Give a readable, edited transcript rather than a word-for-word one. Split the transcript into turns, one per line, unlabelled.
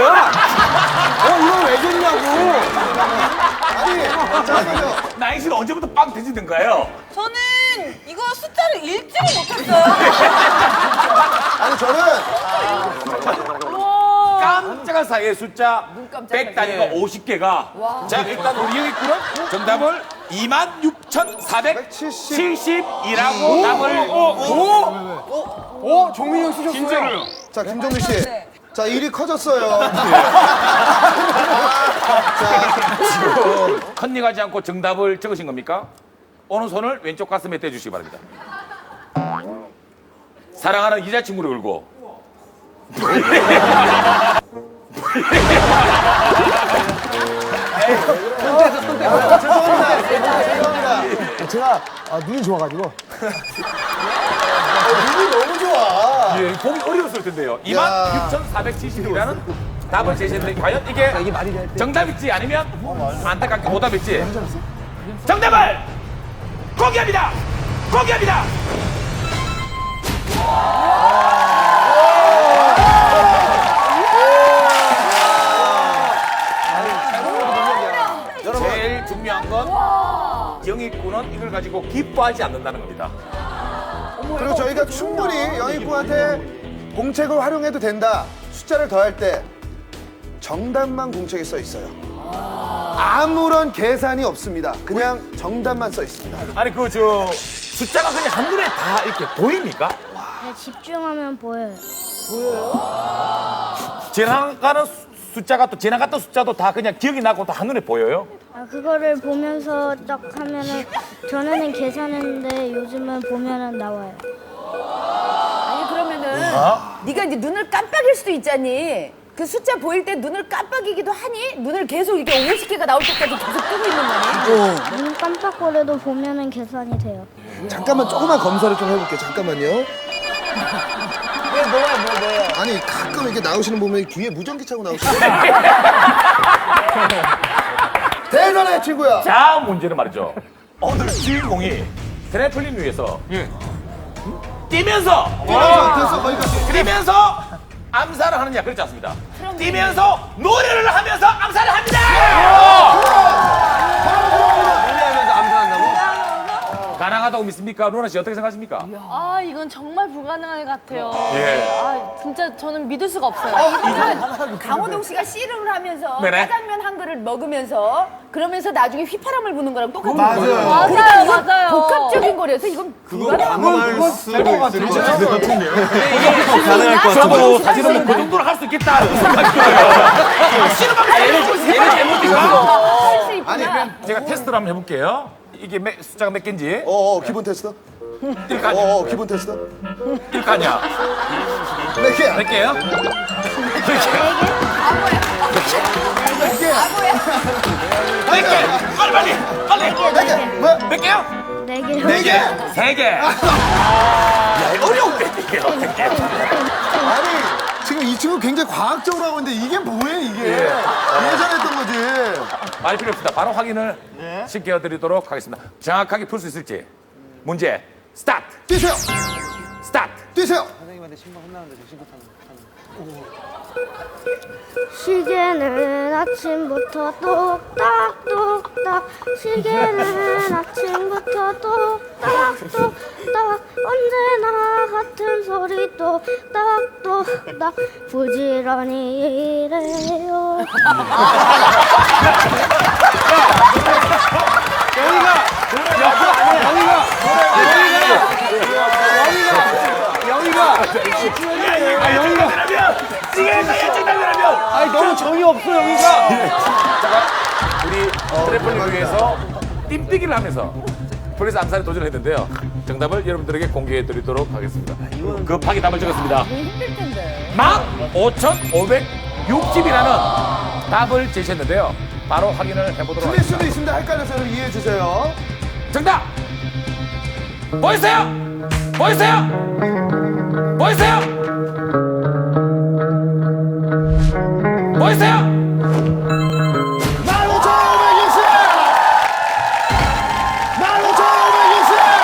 거야? 이거 왜 줬냐고.
아니, 잠깐만요.
나영 씨는 언제부터 빵 드시던가요?
저는 이거 숫자를 읽지를 못했어요.
아니, 저는
깜짝한 사이에 숫자 100 단위가 50개가. 자, 일단 우리 영희군은 정답을 26,470이라고 답을.
종민이 형 쓰셨어요.
진짜로요?
자, 김종민 씨. 자, 일이 커졌어요.
컨닝하지 않고 정답을 적으신 겁니까? 오른손을 왼쪽 가슴에 떼주시기 바랍니다. 사랑하는 이자친구를 걸고.
죄송합니다.
제가 눈이 좋아가지고.
눈이 너무 좋아.
예, 보기 어려웠을 텐데요. 26,470이라는 답을 제시했는데 과연 이게
이게 말이 될 때.
정답일지 아니면 안타깝게 오답일지 정답을 공개합니다. 공개합니다. 제일 중요한 건 영희군은 이걸 가지고 기뻐하지 않는다는 겁니다.
그리고 저희가 충분히 영희군한테 공책을 활용해도 된다. 숫자를 더할 때 정답만 공책에 써 있어요. 아무런 계산이 없습니다. 그냥 정답만 써 있습니다.
아니 숫자가 그냥 한눈에 다 이렇게 보입니까?
네, 집중하면 보여요.
지나가는 숫자가 또 지나갔던 숫자도 다 그냥 기억이 나고 다 한눈에 보여요?
그거를 보면서 딱 하면은 전에는 계산했는데 요즘은 보면은 나와요.
아니 그러면은 네가 이제 눈을 깜빡일 수도 있잖니. 그 숫자 보일 때 눈을 깜빡이기도 하니? 눈을 계속 이렇게 50개가 나올 때까지 계속 뜨고 있는 거니?
눈 깜빡거려도 보면은 계산이 돼요.
잠깐만 조금만 검사를 좀 해볼게요. 잠깐만요.
뭐야?
아니 가끔 이렇게 나오시는 보면 뒤에 무전기 차고 나오시는 대단해 친구야.
다음 문제는 말이죠. 오늘 주인공이 트램플린 위에서 뛰면서
됐어 거기까지.
뛰면서 암살을 하느냐 그렇지 않습니다. 뛰면서 노래를 하면서 암살을 합니다.
노래하면서 암살한다고?
가능하다고 믿습니까? 루나 씨 어떻게 생각하십니까?
아, 이건 정말 불가능할 것 같아요.
예.
아, 진짜 저는 믿을 수가 없어요.
강호동 씨가 씨름을 하면서
네네.
짜장면 한 그릇 먹으면서 그러면서 나중에 휘파람을 부는 거랑 똑같은
맞아요.
거예요.
맞아요, 맞아요.
복합적인 거라서 이건
가능할 수도 있을 것 같은데요.
가능할 것 같아요. 사실은 그 정도로 할 수 있겠다 생각이 들어요. 씨름하면서 얘는 잘못인가?
할수 있구나.
제가 테스트를 한번 해볼게요. 이게 숫자가 몇 개인지
기본 테스트.
뛸까?
기본 테스트.
뛸거 아니야?
몇 개야?
몇 개요? 몇 개? 빨리!
몇 개? 뭐?
몇 개요?
4개요.
네 개?
3개. 야, 어려운데, 이게요.
아니 지금 이 친구 굉장히 과학적으로 하고 있는데 이게 뭐예요 이게? 예상했던 거지.
말 필요 없습니다. 바로 확인을 시켜드리도록 하겠습니다. 정확하게 풀 수 있을지. 문제, 스타트!
뛰세요.
스타트!
뛰세요.
시계는 아침부터 똑딱똑딱 시계는 아침부터 똑딱똑딱 언제나 같은 소리 똑딱똑딱 부지런히 일해요.
아니 너무 정이 없어 여기가.
우리 트래플링을 위해서 띵뛰기를 하면서 폴리스 암살에 도전했는데요. 정답을 여러분들에게 공개해드리도록 하겠습니다. 급하게 답을 적었습니다. 15,560이라는 답을 제시했는데요. 바로 확인을 해보도록
틀릴
하겠습니다.
수도 있습니다. 헷갈려서 이해해 주세요.
정답! 보이세요? 보이세요? 보이세요?